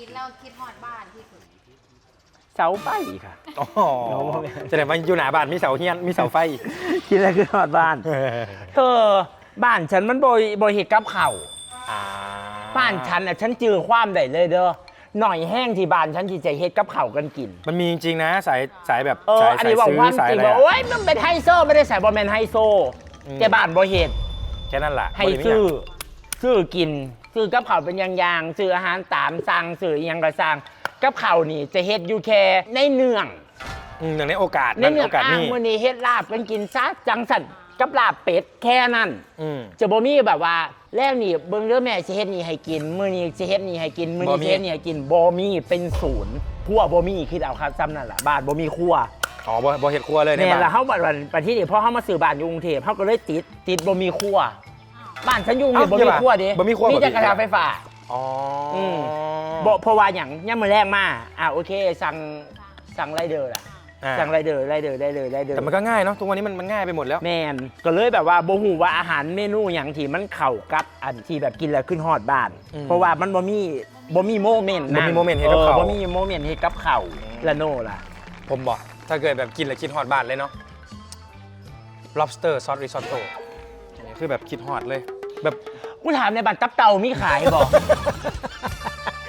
กินแล้วคิดฮอดบ้านที่สุดเสาไฟค่ะอ๋อแสดงว่าอยู่หน้าบ้านมีเสาเฮียนมีเสาไฟคิดอะไรคือฮอดบ้านเธอบ้านฉันมันบ่เฮ็ดกับข้าวอ่าบ้านฉันน่ะฉันเจอความได้เลยเด้อหน่อยแห้งที่บ้านฉันที่จะเฮ็ดกับข้าวกันกินมันมีจริงๆนะสายแบบอันนี้ว่าความสายจริงอะไรว่าอะโอ๊ยมันเป็นไฮโซไม่ได้ใส่บอลแมนไฮโซแต่บ้านบ่เฮ็ดแค่นั้นแหละให้ซื้อกินซื้อกับข้าวเป็นอย่างๆซื้ออาหารตามสั่งซื้ออีหยังก็สั่งกับข้าวนี่จะเฮ็ดอยู่แค่ในเนืองหนึ่งในโอกาสในเนืองโอกาสอ้างนี่มื้อนี้เฮ็ดลาบกันกินซะจังสั่นกับลาบเป็ดแค่นั้นอืมจะบ่มีแบบว่าแล้วนี่เบิ่งเด้อแม่สิเฮ็ดนี่ให้กินมื้อนี้สิเฮ็ดนี่ให้กินมื้อบ่นี้มีสิเฮ็ดนี่ให้กินบ่มีเป็นศูนย์ครัวบ่มีคิดเอาครับซ้ำนั่นล่ะบ้านบ่มีครัวอ๋อบ่เห็ดครัวเลยในแม่บ้านละเฮาบัดที่นี่พอเฮามาซื้อบ้านอยู่กรุงเทพเฮาก็เลยติดบ่มีครัวบ้านฉันอยู่นี่บ่มีครัวเด้บ่มีครัวมีแต่กระทะไฟฟ้าอ๋ออม บ่เพราะว่าหยังยามมื้อแรกมาโอเคสั่งไรเดอร์ล่ะอ่าสั่งไรเดอร์ได้เลยแต่มันก็ง่ายเนาะทุกวันนี้มันง่ายไปหมดแล้วแมนก็เลยแบบว่าบ่ฮู้ว่าอาหารเมนูหยังที่มันเข้ากับอันที่แบบกินแล้วขึ้นฮอดบ้าน เพราะว่ามันบ่มีโมเมนต์บ่มีโมเมนต์เฮ็ดกับข้าวบ่มีโมเมนต์เฮ็ดกับข้าวละโน่ล่ะผมบอกถ้าเกิดแบบกินแล้วคิดฮอดบ้านเลยเนาะ lobster sauce risotto อันนี้คือแบบคิดฮอดเลย แบบกูถามในบ้านตับเต่ามีขายบ่